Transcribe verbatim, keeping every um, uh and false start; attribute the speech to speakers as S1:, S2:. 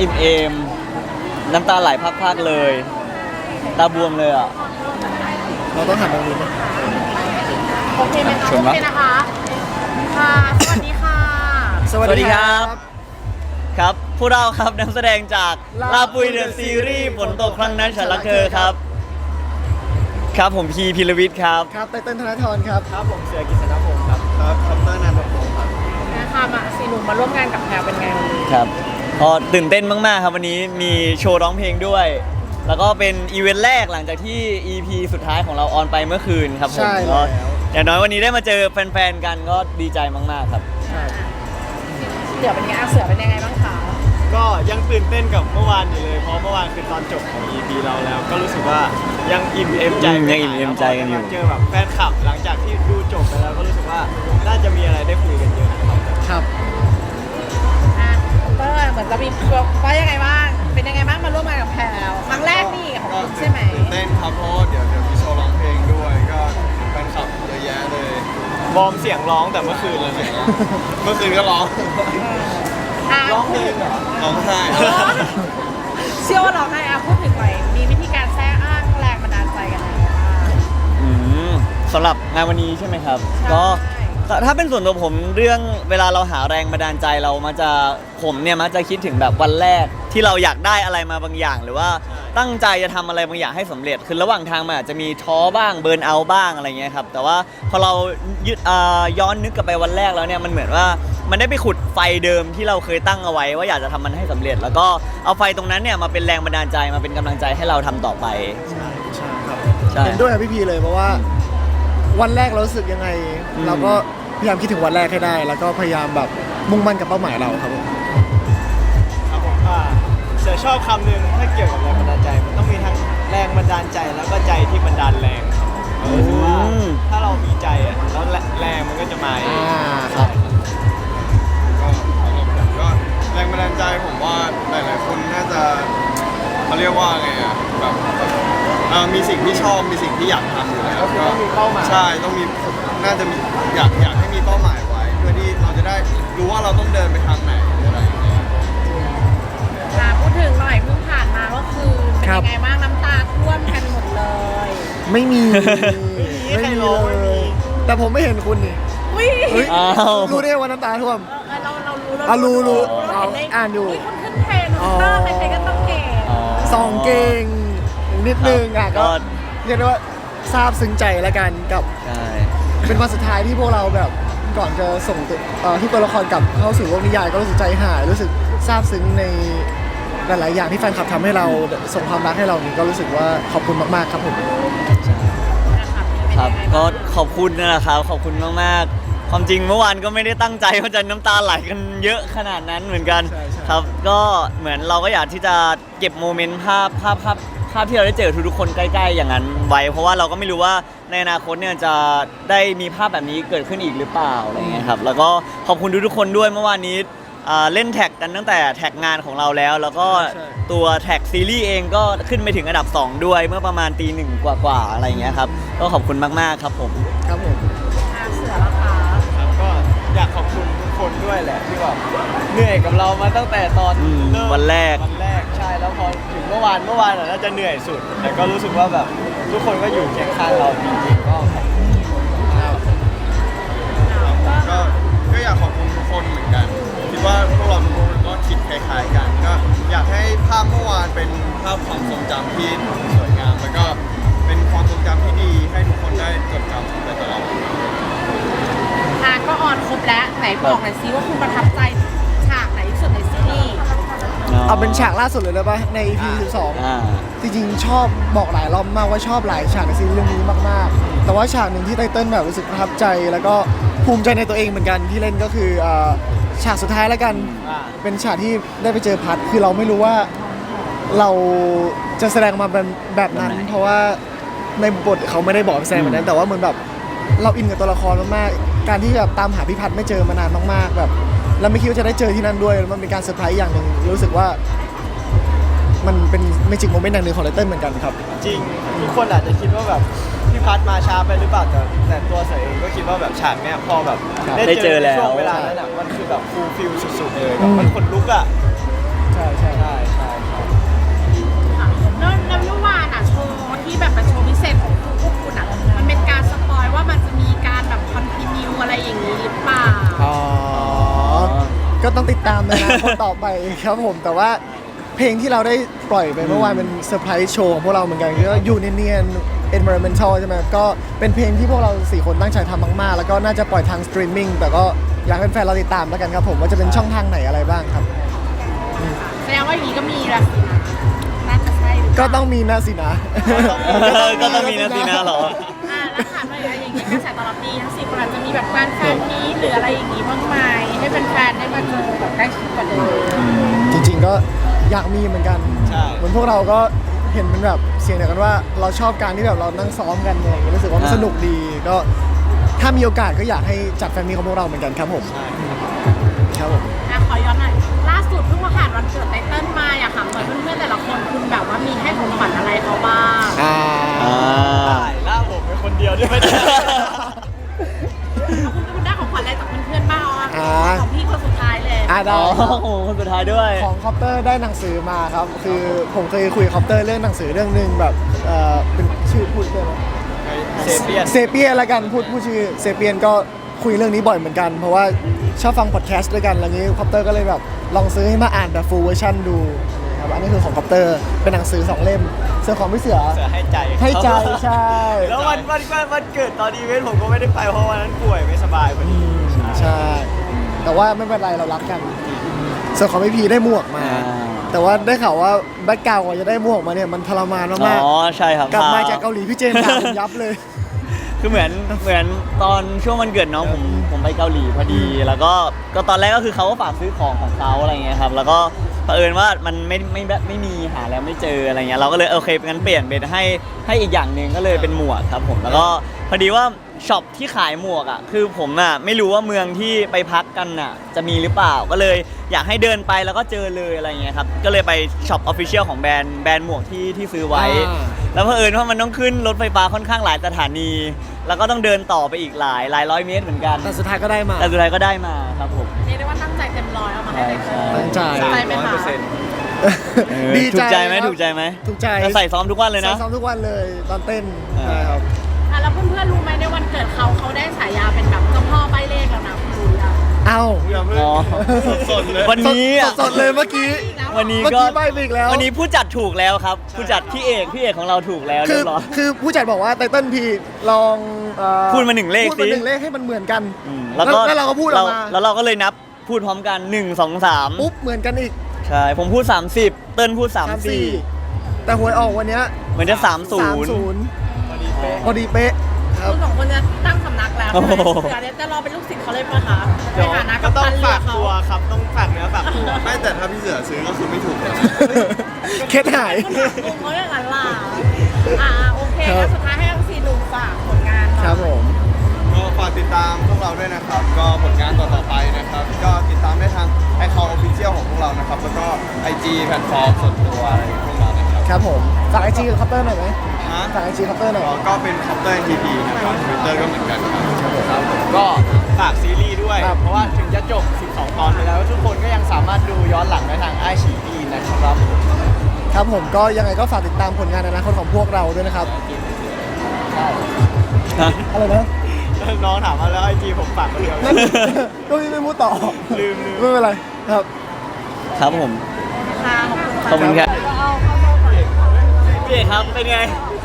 S1: อิ่มเอมน้ำตาไหลพักๆเลยตาบวมเลยอ่ะ
S2: เราต้องหันตรงนี้ไหม
S3: โอเคไหมคะโอเคนะคะค่ะสวัสดีค่ะ
S1: สวัสดีครับครับพวกเราครับนักแสดงจากลาปุยเดอะซีรีส์ฝนตกครั้งนั้นฉันรักเธอครับครับผมพีพิรวิทย์ครับ
S2: ครับไตเติ้ลธนทรครับ
S1: ครับผมเสือกิษณพงศ์ครับครับคอปเตอร์นันทพงศ์ครับ
S3: นะคะมาสี่หนุ่มมาร่วมงานกับแพรเป็นไงวันนี้
S1: ครับพอตื่นเต้นมากๆครับวันนี้มีโชว์ร้องเพลงด้วย แล้วก็เป็นอีเวนต์แรกหลังจากที่ อี พี สุดท้ายของเราออนไปเมื่อคืนครับผมก็อย่างน้อยวันนี้ได้มาเจอแฟนๆกันก็ดีใจมากๆครับ
S3: เสือเป็นไงเสือเป็นยังไงบ้างคะ
S4: ก็ยังตื่นเต้นกับเมื่อวานอยู่เลยเพราะเมื่อวานคือตอนจบของ อี พี เราแล้วก็รู้สึกว่ายังอิ่มเอมใจ
S1: ยังอิ่มเอมใจกันอยู่
S4: เจอแบบแฟนคลับหลังจากที่ดูจบไปแล้วก็รู้สึกว่าน่าจะมีอะไรได้คุยกันเยอะครับ
S2: ครับ
S3: อ่ะเตอร์เหมือนจะมีว่ายังไงบ้างเป็นยังไงบ้างมาร่วมงานกับแพรครั้งแรกนี่ของคุณใช่ไหม
S4: ตื่นเต้นครับเพราะเดี๋ยวเดี๋ยวมีโชว์ร้องเพลงด้วยก็แฟนคลับเยอะแยะเลยวอร์มเสียงร้องแต่เมื่อคืนเลยเนี่ยเมื่อคืนก็ร้องร้องเพลงเหรอร้องไห้
S3: เชื่อว่าร้องไห้อ่ะพูดถึงหน่อยมีวิธีการแทรกอ้างแรงบันดาลใจกันไหม
S1: อืมสำหรับงานวันนี้ใช่ไหมครับก็ถ้าเป็นส่วนตัวผมเรื่องเวลาเราหาแรงบันดาลใจเรามาจะผมเนี่ยมักจะคิดถึงแบบวันแรกที่เราอยากได้อะไรมาบางอย่างหรือว่าตั้งใจจะทำอะไรบางอย่างให้สำเร็จคือระหว่างทางมันอาจจะมีท้อบ้างเบิร์นเอาท์บ้างอะไรเงี้ยครับแต่ว่าพอเรายึดย้อนนึกกลับไปวันแรกแล้วเนี่ยมันเหมือนว่ามันได้ไปขุดไฟเดิมที่เราเคยตั้งเอาไว้ว่าอยากจะทำมันให้สำเร็จแล้วก็เอาไฟตรงนั้นเนี่ยมาเป็นแรงบันดาลใจมาเป็นกำลังใจให้เราทำต่อไป
S2: ใช่ใช่ครับเห็นด้วยกับพี่พีเลยเพราะว่าวันแรกเรารู้สึกยังไงเราก็พยายามคิดถึงวันแรกให้ได้แล้วก็พยายามแบบมุ่งมั่นกับเป้าหมายเราครับผม
S4: ครับผมว่าเสือชอบคำหนึ่งถ้าเกี่ยวกับแรงบันดาลใจมันต้องมีทั้งแรงบันดาลใจแล้วก็ใจที่บันดาลแรงครับรู้สึกว่าถ้าเรามีใจอ่ะแล้วแรงมันก็จะมาเอง
S2: ครับ
S4: ก็ก็แรงบันดาลใจผมว่าหลายๆคนน่าจะเขาเรียกว่าไงอ่ะแบบมีสิ่งที่ชอบมีสิ่งที่อยากทำอยู่แล้วก็ต้องมีเป้าหมายใช่ต้องมีน่าจะมีอยากอยากให้มีเป้าหมายไว้เพื่อที่เราจะได้รู้ว่าเราต้องเดินไปทางไหนอะไรอย่างเงี้ย
S3: พูดถึงหน่อยเพิ่งผ่านมาก็คือเป็นยังไงบ้างน้ำตาท่วมกันหมดเลย
S2: ไม่มี
S4: ไม่มีเลย
S2: แต่ผมไม่เห็นคุณนี่รู้ได้ว่าน้ำตาท่วม
S3: เราเรารู้
S2: เรารู้รู้อ่าน
S3: อยู่คุณขึ้นเทรนด์เตอร์ใครๆก็ต้องเก่ง
S2: สองเก่งนิดนึงอ่ะก็เรียกได้ว่าซาบซึ้งใจแล้วกันกับเป็นวันสุดท้ายที่พวกเราแบบก่อนจะส่งทุกตัวละครกลับเข้าสู่โลกนิยายก็รู้สึกใจหายรู้สึกซาบซึ้งในหลายๆอย่างที่แฟนคลับทำให้เราส่งความรักให้เรานี่ก็รู้สึกว่าขอบคุณมากๆครับผม
S1: ครับก็ขอบคุณนะครับขอบคุณมากๆความจริงเมื่อวานก็ไม่ได้ตั้งใจว่าจะน้ำตาไหลกันเยอะขนาดนั้นเหมือนกันครับก็เหมือนเราก็อยากที่จะเก็บโมเมนต์ภาพภาพภาพภาพที่เราได้เจอทุกๆคนใกล้ๆอย่างนั้นไว้เพราะว่าเราก็ไม่รู้ว่าในอนาคตเนี่ยจะได้มีภาพแบบนี้เกิดขึ้นอีกหรือเปล่าอะไรเงี้ยครับแล้วก็ขอบคุณทุกๆคนด้วยเมื่อวานนี้เล่นแท็กกันตั้งแต่แท็กงานของเราแล้วแล้วก็ตัวแท็กซีรีส์เองก็ขึ้นไปถึงอันดับสองด้วยเมื่อประมาณตีหนึ่งกว่าๆอะไรเงี้ยครับก็ขอบคุณมากๆครับผม
S2: ครับผม
S3: เสือแล้วค่ะ
S4: ครับก็อยากขอบคุณทุกคนด้วยแหละที่แบบเหนื่อยกับเรามาตั้งแต่ตอน
S1: เริ่มวันแรก
S4: วันแรกใช่แล้วพอถึงเมื่อวานเมื่อวานน่าจะเหนื่อยสุดแต่ก็รู้สึกว่าแบบทุกคนก็อยู่เคียงข้างเราจริงๆก็ก็ก็อยากขอบคุณทุกคนเหมือนกันคิดว่าพวกเราทุกคนก็คิดคล้ายๆกันก็อยากให้ภาพเมื่อวานเป็นภาพความทรงจำที่สวยงามแล้วก็เป็นความทรงจำที่ดีให้ทุกคนได้จดจำไปตลอด
S3: อ่ะก็ออนครบแล้วไหนบอกหน่อยซิว่าคุณประทับใจฉากไหนที่สุดในซีรีส์
S2: เอาเป็นฉากล่าสุดเลยได้ปะใน อี พี สิบสองจริงๆชอบบอกหลายรอบมากว่าชอบหลายฉากในซีรีส์เรื่องนี้มากๆแต่ว่าฉากหนึ่งที่ไตเติ้ลแบบรู้สึกประทับใจแล้วก็ภูมิใจในตัวเองเหมือนกันที่เล่นก็คือฉากสุดท้ายแล้วกันเป็นฉากที่ได้ไปเจอพัดคือเราไม่รู้ว่าเราจะแสดงมาเป็นแบบนั้นเพราะว่าในบทเขาไม่ได้บอกแสดงแบบนั้นแต่ว่าเหมือนแบบเราอินกับตัวละครมากๆการที่แบบตามหาพี่พัดไม่เจอมานานมากๆแบบเราไม่คิดว่าจะได้เจอที่นั่นด้วยมันเป็นการเซอร์ไพรส์อย่างหนึ่งรู้สึกว่ามันเป็นเมจิกโมเมนต์อย่างหนึ่งของไตเติ้ลเหมือนกันครับ
S4: จริงทุกคนอาจจะคิดว่าแบบพี่พัดมาช้าไปหรือเปล่าแต่แต่ตัวเสือเองก็คิดว่าแบบฉากเนี้ยพอแบบ
S1: ได้เจอแล้ว
S4: ช่วงเวลานั้นอ่ะมันคือแบบฟูลฟิลสุดๆเลยมันขนลุกอ่ะ
S2: ใช่
S4: ใช่ใช่ใช่
S3: ค่ะแล้วแล้วเมื่อวานอ่ะโชว์ที่แบบเป็นโชว์พิเศษของพวกคุณอ่ะมันเป็นการสปอยว่ามันจะมีการแบบคอนติเนียอะไรอย่างนี้หรือเปล่า
S2: อ๋อ ก็ต้องติดตามนะคนต่อไปครับผมแต่ว่าเพลงที่เราได้ปล่อยไปเมื่อวานเป็นเซอร์ไพรส์โชว์ของพวกเราเหมือนกันก็อยู่เนียนๆ environmental ใช่ไหมก็เป็นเพลงที่พวกเราสี่คนตั้งใจทำมากๆ แล้วก็น่าจะปล่อยทางสตรีมมิ่งแต่ก็อยากให้แฟนๆเราติดตามแล้วกันครับผมว่าจะเป็นช่องทางไหนอะไรบ้างครับ
S3: แสดงว่าอย่างนี้ก็มีละสินะน่าจะใช่หรือเป
S2: ก็
S3: ล่า
S2: ต้องมีนะสินะ
S1: ก็ต้องมีนะสินะเหรอ
S3: อ่าแล้วถามหน่อยอะไรอย่างเงี้ยกระแสตอบรับดีทั้งสี่คนอาจจะมีแบบแฟนแฟนนี้หรืออะไรอย่างงี้บ้างไหมให้แฟนๆได้มาเจอแบบใกล้ชิดกว่าเดิม
S2: จริงๆก็อยากมีเหมือนกัน
S4: ใช่
S2: เหมือนพวกเราก็เห็นเป็นแบบเสียงเดียวกันว่าเราชอบการที่แบบเรานั่งซ้อมกันอะไรอย่างเงี้ยรู้สึกว่ามัน
S1: อ่า
S2: สนุกดีก็ถ้ามีโอกาสก็อยากให้จัดแฟนมีของพวกเราเหมือนกันครับผม
S4: ใช่
S2: ครับผม
S3: อ่ะขอย้อนหน่อยล่าสุดเพิ่งมาผ่านวันเกิดไตเติ้ลมาอยากถามหน่อยเพื่อนๆแต่ละคนคุณแบบว่ามีให้ของขวัญอะไรเขาบ้าง
S2: อ่า
S1: อ่า
S4: ล่าผมเป็นคนเดียวด้วย
S3: คุณคุณได้ของขวัญอะไรจากเพื่อนๆบ้างเอา
S2: อ่า
S3: ของพี่คนสุดท้ายเลย
S2: อ่าได้
S1: อ๋อโอ้โหคนสุดท้ายด้วย
S2: ของคอปเตอร์ได้หนังสือมาครับ คือผมเคยคุยกับคอปเตอร์เรื่องหนังสือเรื่องหนึ่งแบบเอ่อเป็นชื่อพูดได้ไหม
S4: เซเปียน
S2: เซเปียนละกันพูดพูดชื่อเซเปียนก็คุยเรื่องนี้บ่อยเหมือนกัน เพราะว่าชอบฟังพอดแคสต์ด้วยกันอะไรอย่างนี้คอปเตอร์ก็เลยแบบลองซื้อให้มาอ่านแบบฟูลเวอร์ชันดูครับอันนี้คือของคอปเตอร์เป็นหนังสือสองเล่มส่วนของพี่เสือ
S4: เสือให้ใจ
S2: ให้ใจใช่
S4: แล้ววันวันวันวันเกิดตอนอีเวนต์ผมก็ไม่ได้ไปเพราะวันนั้นป่วยไม่สบายพอดี
S2: ใช่ แต่ว่าไม่เป็นไรเรารักกันส่วนของพี่พีได้หมวกมา
S1: อ่า
S2: แต่ว่าได้ข่าวว่าแบ็คกราวด์กว่าจะได้หมวกมาเนี่ยมันทรมานมาก
S1: อ๋อใช่ครับ
S2: ๆกลับมาจากเกาหลีพี่เจมส์ด่าผมยับเลย
S1: คือเหมือนเหมือนตอนช่วงวันเกิดน้องผมผมไปเกาหลีพอดี แล้วก็ก็ตอนแรกก็คือเขาก็ฝากซื้อของของเขาอะไรเงี้ยครับแล้วก็เผอิญว่ามันไม่ไม่ไม่ไม่มีหาแล้วไม่เจออะไรเงี้ยเราก็เลยโอเคงั้นเปลี่ยนเป็นให้ให้อีกอย่างหนึ่งก็เลยเป็นหมวกครับผมแล้วก็พอดีว่าช็อปที่ขายหมวกอ่ะคือผมอ่ะไม่รู้ว่าเมืองที่ไปพักกันอ่ะจะมีหรือเปล่าก็เลยอยากให้เดินไปแล้วก็เจอเลยอะไรเงี้ยครับก็เลยไปช็อปออฟฟิเชียลของแบรนด์แบรนด์หมวกที่ที่ซื้อไว้
S2: อ่า
S1: แล้วเผอิญว่ามันต้องขึ้นรถไฟฟ้าค่อนข้างหลายสถานี แล้วก็ต้องเดินต่อไปอีกหลายหลายร้อยเมตรเหมือนกัน
S2: แต่สุดท้ายก็ได้มา
S1: แต่สุดท้ายก็ได้มาครับผม
S3: เรียกได้ว่าตั้งใจเต็มร้อยเอามาให้ไตเติ้ล
S2: ตั้งใจ
S3: ตั้งใจไหม
S4: ร้อย
S3: คะ
S4: เปอร์เซ็นต์
S1: เออ
S2: ดี
S1: ถูกใจไหม
S2: ครับ
S1: ถูกใจไหม
S2: ถูกใจ
S1: แต่ใส่ซ้อมทุกวันเลยนะ
S2: ใส่ซ้อมทุกวันเลยตอนเต้น
S1: อ่า
S2: ใช่ครับ
S3: อ่ะแล้วเพื่อนๆรู้ไหมในวันเกิดเขาเขาได้ฉายาเป็นแบบเจ้าพ่อใบเลขแล้วนะคุณรู้ยัง
S2: เอ้า
S4: อย่าเพิ่ง
S1: อ๋อ
S4: สดๆเลย
S1: วันนี้อ่ะ
S2: สดๆเลยเมื่อกี้
S1: วันนี้
S2: เมื่อ
S1: ก็
S2: กี้ใบไปอีกแล้ว
S1: วันนี้ผู้จัดถูกแล้วครับ ผู้จัดพี่เอกพี่เอกของเราถูกแล้ว
S2: คื
S1: เรี
S2: อย
S1: บร้อย
S2: คือผู้จัดบอกว่าไตเติ้ลพีลองเอ่อ
S1: พูดมาหนึ่งเลข
S2: พูดมา
S1: สิ
S2: หนึ่งเลขให้มันเหมือนกัน
S1: อืม
S2: แล้วแล้วเราก็พูดออกมา
S1: แล้วเราก็เลยนับพูดพร้อมกันหนึ่ง สอง สาม
S2: ปุ๊บเหมือนกันอีก
S1: ใช่ผมพูดสามสิบเติ้ลพูดสาม
S2: สาม
S1: สี่
S2: สี่แต่หวยออกวันเนี้ย
S1: เหมือนจะสามศู
S2: สาม
S1: นย์
S2: ศูนย์
S4: พอดีเป๊ะ
S2: พอดีเป๊ะครับ
S3: คุณสองคนจะตั้งสำนักแล้ว
S1: โอ้
S3: ใช่ไหม
S1: โห
S3: เสือเนี่ยจะรอเป็นลูกศิษย์เขาเลยปะคะใน
S4: เดี๋ยว
S3: ฐานะ
S4: ก็
S3: กัป
S4: ต้อง
S3: ตันเรือ
S4: ฝาก
S3: เขา
S4: ตัวครับต้องฝากเนื้อฝากตัวไม่แต่ถ้าพี่เสือซื้อก็คือไม่ถูกเลยนะ
S2: เคสหาย
S3: คุณถามลุงเขาอย่างนั้นล่ะอ่าโอเค
S2: ครับ
S3: แล้วสุดท้ายให้ทั้งสี่ลุงฝากผลงานหน่อย
S2: ครับผม
S4: ก็ฝากติดตามพวกเราด้วยนะครับ ก็ผลงานต่อๆไปนะครับ ก็ติดตามได้ทางไอคอนออฟฟิเชียลของพวกเรานะครับ แล้วก็ ไอ จี แพลตฟอร์มส่วนตัวอะไรของพวกเรานะครับ
S2: ครับผมฝากไอจีกับคัปเตอร์หน่อยไหม
S4: ฮะ
S2: ฝากไอจีคัปเตอร์หน่อย
S4: ก็เป็นคอปเตอร์ทีพีนะครับทวิตเตอร์ก็เหมือนกันครับครับผมก็ฝากซีรีส์ด้วย
S2: ครับ
S4: เพราะว่าถึงจะจบ สิบสอง ตอนไปแล้ว ทุกคนก็ยังสามารถดูย้อนหลังได้ทางไอชีอีนะครับ
S2: ครับผมก็ยังไงก็ฝากติดตามผลงานในอนาคตของพวกเราด้วยนะครับ
S1: ฮะ
S2: อะไรนะ
S4: น้องถามมาแล้วไอจีผมฝากคนเดียว
S2: นั่นก็ไม่พูดต่อ
S4: ลืมลืม
S2: ไม่เป็นไรครับ
S1: ครับผม
S3: ค่ะขอบคุณค่ะ
S1: ขอบคุณครับ
S3: เอาเข้าโซ่ก่อน
S1: พี่เอกครับเป็นไง
S2: เ